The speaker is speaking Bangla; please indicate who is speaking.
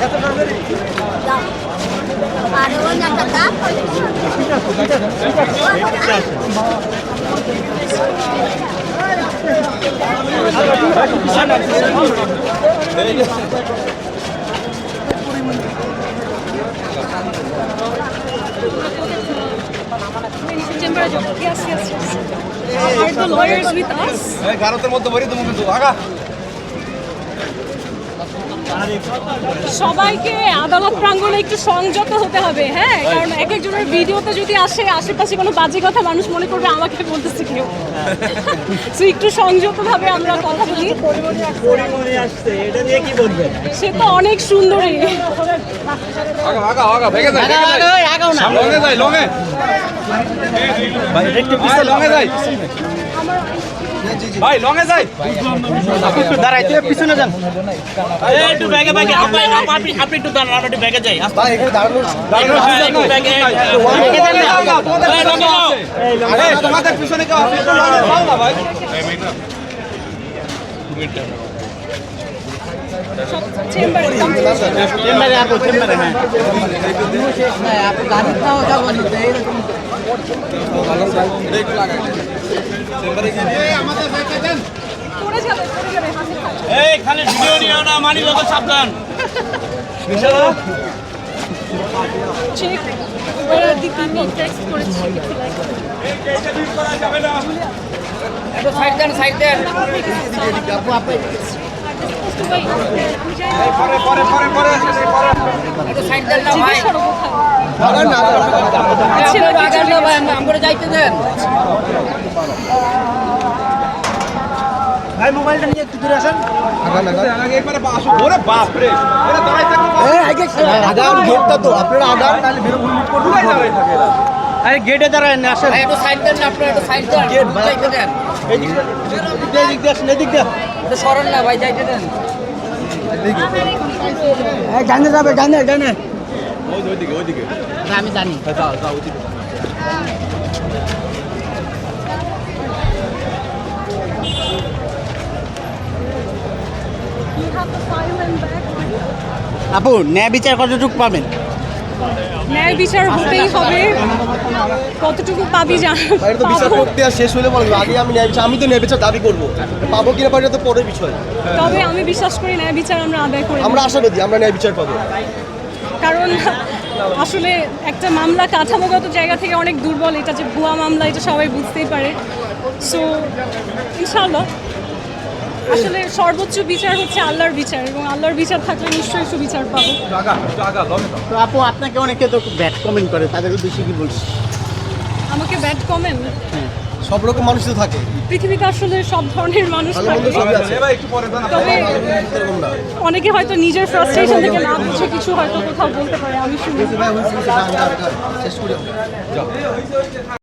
Speaker 1: Are the lawyers with us? সবাইকে আদালত প্রাঙ্গণে একটু সংযত হতে হবে, হ্যাঁ, কারণ এক একজনের ভিডিওতে যদি আসে আশেপাশে কোনো বাজে কথা মানুষ মনে করবে আমাকে বলতেছে কেউ। তো একটু সংযতভাবে আমরা কথা বলি। সে তো অনেক সুন্দরী।
Speaker 2: ভাই লঙে যাই একটু দাঁড়াইতে পিছনে যান একটু ব্যাগে ব্যাগে আপনি একটু দাঁড়ান আমরা একটু ব্যাগে যাই ভাই একটু দাঁড়ানো ব্যাগে তোমাদের পিছনে কেউ আছে একটু লঙে যাও না ভাই চেম্বারে আপু চেম্বারে হ্যাঁ আপু গাড়ি খাও যাও এরকম ব্রেক লাগাই চেম্বারে গিয়ে আমাদের ব্যাগে দেন পড়ে যাবে এই খালি ভিডিও নিও না মানি যত সাবধান বিশালা
Speaker 1: check where are the people text করেছি
Speaker 2: এইটা বিট করা যাবে না একটু সাইড দেন আপু আপু পরে একটু সাইড দেন না ভাই আগান না ভাই আমরা যাইতে দেন ভাই মোবাইলটা নিয়ে একটু দূরে আসেন আগে একবারে আসো ওরে বাপ রে এরা দাঁড়াই থাকে আগান গেটটা তো আপনারা আগান নালে বের মুট করতে দাঁড়াই থাকে আরে গেটে দাঁড়ায় না আসেন একটু সাইড দেন না আপনারা একটু সাইড দেন গেট যাইতে দেন এই দিক দিয়ে আসেন এদিক দিয়ে এটা সরল না ভাই যাইতে দেন এই ডানে যাবে ডানে ওইদিকে আমি জানি যাও ওইদিকে আপু ন্যায় বিচার কতটুকু পাবেন
Speaker 1: ন্যায় বিচার হতেই হবে, কতটুকু পাবি
Speaker 3: বিচার প্রক্রিয়া শেষ হলে বলবো আগে আমি ন্যায় বিচার আমি তো ন্যায় বিচার দাবি করবো পাবো কিনা পাবো তো পরের বিষয়
Speaker 1: তবে আমি বিশ্বাস করি ন্যায় বিচার আমরা আদায় করি
Speaker 3: আমরা আশাবাদী আমরা ন্যায় বিচার পাবো
Speaker 1: কারণ আসলে একটা মামলা কাঠামোগত জায়গা থেকে অনেক দুর্বল, এটা যে ভুয়া মামলা এটা সবাই বুঝতেই পারে। সো ইনশাআল্লাহ আসলে সর্বোচ্চ বিচার হচ্ছে আল্লাহর বিচার এবং আল্লাহর বিচার থাকলে নিশ্চয়ই সুবিচার পাবো।
Speaker 2: তো আপু আপনাকে অনেকে তো ব্যাড কমেন্ট করে, তাদের উদ্দেশ্যে কি বলছি?
Speaker 1: আমাকে ব্যাড কমেন্ট,
Speaker 3: সব রকম মানুষ তো থাকে
Speaker 1: পৃথিবীতে আসলে সব ধরনের মানুষ থাকে, তবে অনেকে হয়তো নিজের ফ্রাস্ট্রেশন থেকে না বুঝে কিছু হয়তো কোথাও বলতে পারে, আমি শুনি।